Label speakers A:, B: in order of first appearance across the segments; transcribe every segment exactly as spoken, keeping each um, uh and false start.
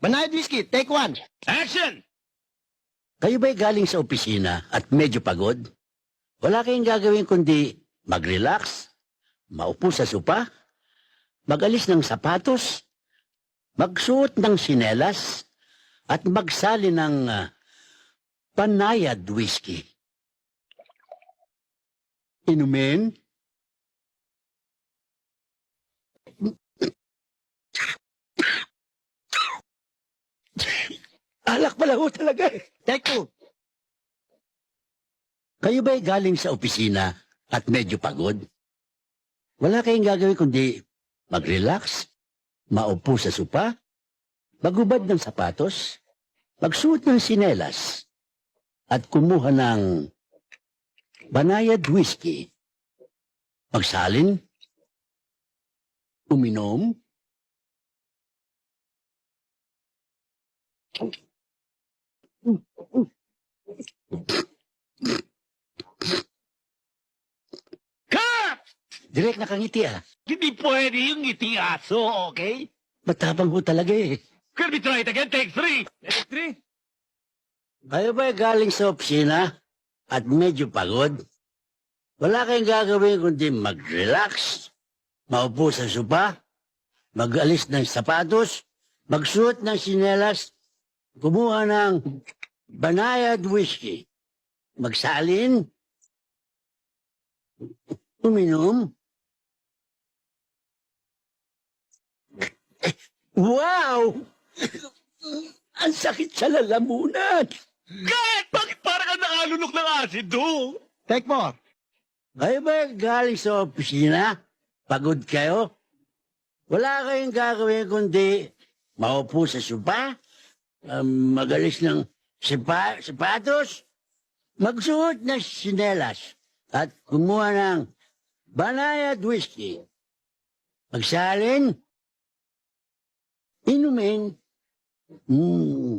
A: Banayad whiskey, take one.
B: Action!
C: Kayo ba'y galing sa opisina at medyo pagod? Wala kayong gagawin kundi mag-relax, maupo sa sopa, mag-alis ng sapatos, magsuot ng sinelas, at magsali ng uh, panayad whiskey. Inumin? Alak pala ho talaga eh.
A: Take two.
C: Kayo ba'y galing sa opisina at medyo pagod? Wala kayong gagawin kundi mag-relax, maupo sa sopa, magubad ng sapatos, magsuot ng sinelas, at kumuha ng banayad whiskey. Magsalin, uminom,
B: Cut!
C: direct nakangiti ah.
B: Hindi pwede yung ngiti aso, okay?
C: Matapang ho talaga eh.
B: Can we try it again? Take three! Take three?
C: Kayo ba'y galing sa opisina at medyo pagod? Wala kayong gagawin kundi mag-relax, maupo sa sopa, mag-alis ng sapatos, magsuot ng sinelas, kumuha ng banayad whiskey, magsalin, uminom. Wow! Ang sakit sa lalamunan.
B: Cut! Bakit parang ka nakalunok ng asido?
A: Take four.
C: Kayo ba galing sa opisina? Pagod kayo? Wala kayong gagawin kundi maupo sa sopa, um, magalis ng sipa, sapatos, magsuot ng sinelas, at kumuha ng banayad whiskey. Magsalin, inumin. Mm.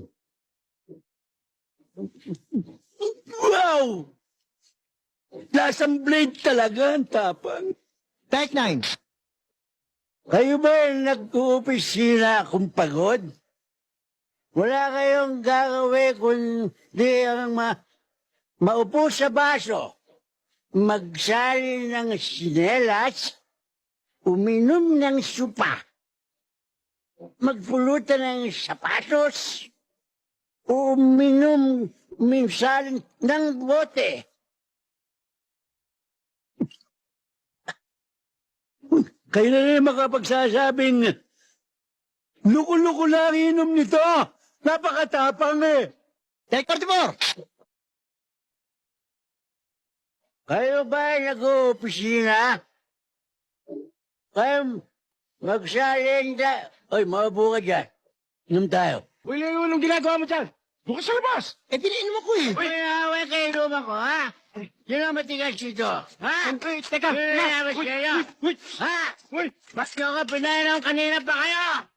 C: Wow! Lasang blade talaga ang tapang.
A: Take nine.
C: Kayo ba nag-uopisina kung pagod? Wala kayong gagawin kundi ang ma maupo sa baso, magsali ng sinelas, uminom ng supa, magpulutan ng sapatos, uminom minsan ng bote. Kayo na rin makapagsasabing, luko-luko lang inom nito. Napakatapang eh.
A: Take forty-four.
C: Kayo ba nag-uopisina? Kayo magsalin da... Oy, maupo ka dyan. Inom tayo.
B: Uy, Leo, anong ginagawa mo dyan? Bukas sa labas!
A: Eh, pinainom ako eh.
C: Uy, away kayo inom ako, ha? Yun ang matigas dito. Ha?
B: Uy, teka!
C: Yun ang matigas kayo.
B: Uy!
C: Ha?
B: Uy!
C: Ba't ka pinainom kanina pa kayo?